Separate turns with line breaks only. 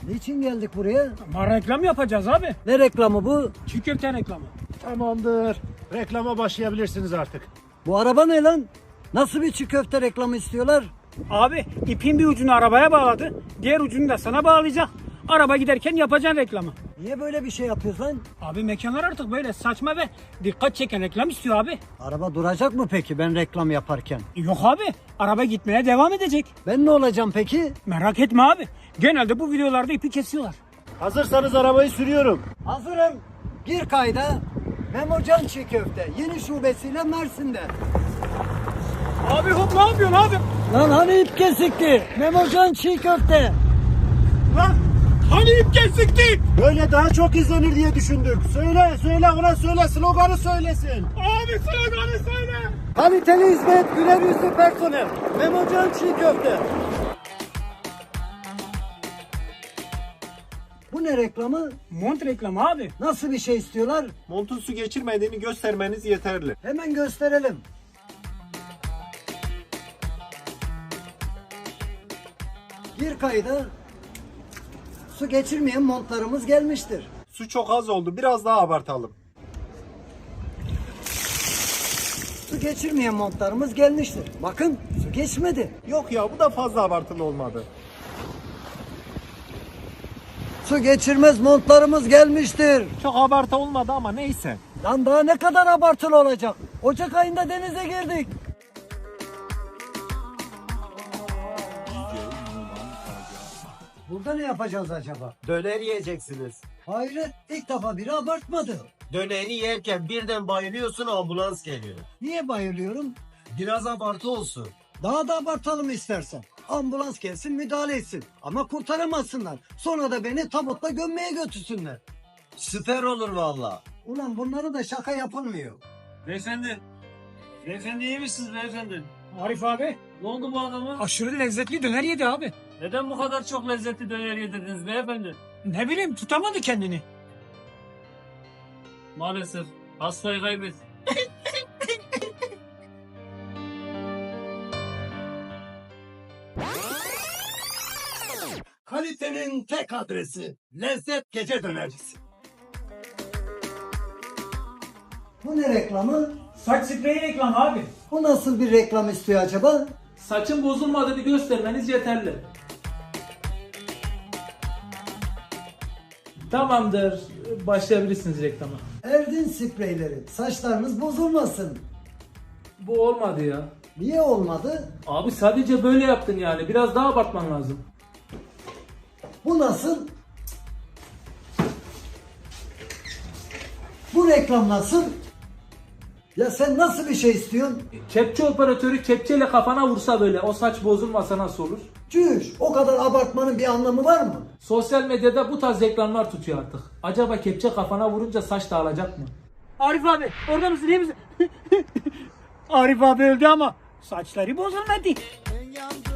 Niçin geldik buraya?
Ama reklam yapacağız abi.
Ne reklamı bu?
Çiğ köfte reklamı.
Tamamdır. Reklama başlayabilirsiniz artık.
Bu araba ne lan? Nasıl bir çiğ köfte reklamı istiyorlar?
Abi ipin bir ucunu arabaya bağladı. Diğer ucunu da sana bağlayacak. Araba giderken yapacaksın reklamı.
Niye böyle bir şey yapıyorsun lan?
Abi mekanlar artık böyle saçma ve dikkat çeken reklam istiyor abi.
Araba duracak mı peki ben reklam yaparken?
Yok abi. Araba gitmeye devam edecek.
Ben ne olacağım peki?
Merak etme abi. Genelde bu videolarda ipi kesiyorlar.
Hazırsanız arabayı sürüyorum.
Hazırım. Gir kayda. Memocan Çiğ Köfte yeni şubesiyle Mersin'de.
Abi hop ne yapıyorsun abi?
Lan hani ip kesikti? Memocan Çiğ Köfte.
Lan hani ip kesikti?
Böyle daha çok izlenir diye düşündük. Söyle ona söyle, sloganı söylesin.
Abi sloganı söyle.
Kaliteli hizmet, güler yüzlü personel. Memocan Çiğ Köfte. Bu ne reklamı?
Mont reklamı abi.
Nasıl bir şey istiyorlar?
Montun su geçirmediğini göstermeniz yeterli.
Hemen gösterelim. Gir kayda. Su geçirmeyen montlarımız gelmiştir.
Su çok az oldu. Biraz daha abartalım.
Su geçirmeyen montlarımız gelmiştir. Bakın su geçmedi.
Yok ya, bu da fazla abartılı olmadı.
Su geçirmez montlarımız gelmiştir.
Çok abartı olmadı ama neyse.
Lan daha ne kadar abartılı olacak? Ocak ayında denize girdik. Burada ne yapacağız acaba?
Döner yiyeceksiniz.
Hayret, ilk defa biri abartmadı.
Döneri yerken birden bayılıyorsun, ambulans geliyor.
Niye bayılıyorum?
Biraz abartı olsun.
Daha da abartalım istersen. Ambulans gelsin müdahale etsin. Ama kurtaramazsınlar. Sonra da beni tabutla gömmeye götürsünler.
Süper olur valla.
Ulan bunları da şaka yapılmıyor.
Beyefendi. Beyefendi iyi misiniz beyefendi?
Arif abi
Ne oldu bu adama?
aşırı lezzetli döner yedi abi.
Neden bu kadar çok lezzetli döner yedirdiniz beyefendi?
Ne bileyim tutamadı kendini.
Maalesef hastayı kaybet.
Kalitenin tek adresi. Lezzet Gece Dönercisi.
Bu ne reklamı?
Saç spreyi reklamı abi.
Bu nasıl bir reklam istiyor acaba?
Saçın bozulmadığını göstermeniz yeterli. Tamamdır. Başlayabilirsiniz reklama.
Erdin spreyleri. Saçlarınız bozulmasın.
Bu olmadı ya.
Niye olmadı?
Abi sadece böyle yaptın yani. Biraz daha abartman lazım.
Bu nasıl? Bu reklam nasıl? Ya sen nasıl bir şey istiyorsun?
Kepçe operatörü kepçeyle kafana vursa böyle o saç bozulmasa nasıl olur?
Çüş, o kadar abartmanın bir anlamı var mı?
Sosyal medyada bu tarz reklamlar tutuyor artık. Acaba kepçe kafana vurunca saç dağılacak mı?
Arif abi orada mısın iyi misin? Arif abi öldü ama saçları bozulmadı.
Ben yandım.